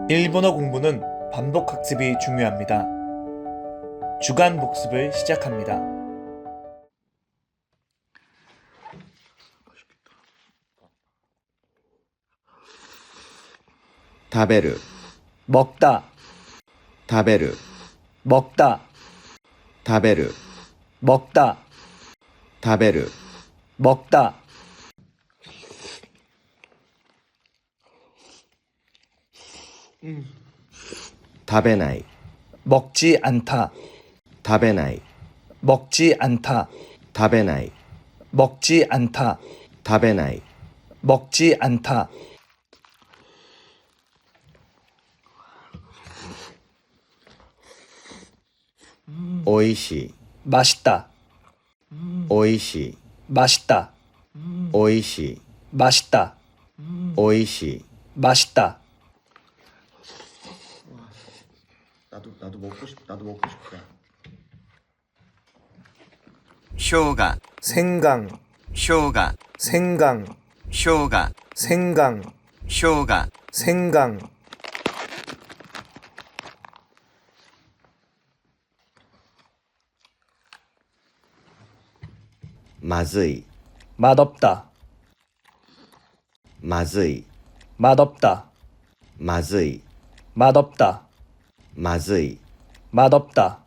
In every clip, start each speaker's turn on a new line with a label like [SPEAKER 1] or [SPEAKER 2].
[SPEAKER 1] 일본어 공부는 반복 학습이 중요합니다. 주간 복습을 시작합니다.
[SPEAKER 2] 食べる
[SPEAKER 1] 먹다,
[SPEAKER 2] 食べる
[SPEAKER 1] 먹다,
[SPEAKER 2] 食べる
[SPEAKER 1] 먹다,
[SPEAKER 2] 食べる
[SPEAKER 1] 먹다. 음.
[SPEAKER 2] 食べない
[SPEAKER 1] 먹지 않다,
[SPEAKER 2] 食べない
[SPEAKER 1] 먹지 않다,
[SPEAKER 2] 食べない
[SPEAKER 1] 먹지 않다,
[SPEAKER 2] 食べない
[SPEAKER 1] 먹지 않다.
[SPEAKER 2] おいしい
[SPEAKER 1] 맛있다,
[SPEAKER 2] おいしい
[SPEAKER 1] 맛있다,
[SPEAKER 2] おいしい
[SPEAKER 1] 맛있다,
[SPEAKER 2] おいしい
[SPEAKER 1] 맛있다.
[SPEAKER 3] 나도 먹고 싶다.
[SPEAKER 2] 生姜
[SPEAKER 1] 생강,
[SPEAKER 2] 生姜
[SPEAKER 1] 생강,
[SPEAKER 2] 生姜
[SPEAKER 1] 생강,
[SPEAKER 2] 生姜
[SPEAKER 1] 생강.
[SPEAKER 2] まずい
[SPEAKER 1] 맛없다,
[SPEAKER 2] まずい
[SPEAKER 1] 맛없다,
[SPEAKER 2] まずい
[SPEAKER 1] 맛없다,
[SPEAKER 2] まずい
[SPEAKER 1] 맛없다.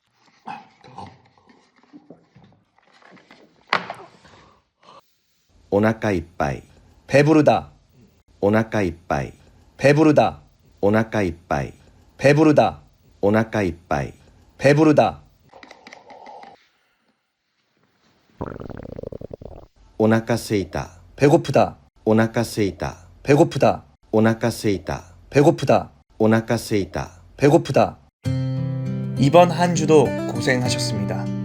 [SPEAKER 2] お腹いっぱい
[SPEAKER 1] 배부르다,
[SPEAKER 2] お腹いっぱい
[SPEAKER 1] 배부르다,
[SPEAKER 2] お腹いっぱい
[SPEAKER 1] 배부르다,
[SPEAKER 2] お腹いっぱい
[SPEAKER 1] 배부르다.
[SPEAKER 2] お腹すいた
[SPEAKER 1] 배고프다,
[SPEAKER 2] お腹すいた
[SPEAKER 1] 배고프다,
[SPEAKER 2] お腹すいた
[SPEAKER 1] 배고프다,
[SPEAKER 2] お腹すいた
[SPEAKER 1] 배고프다. 이번 한 주도 고생하셨습니다.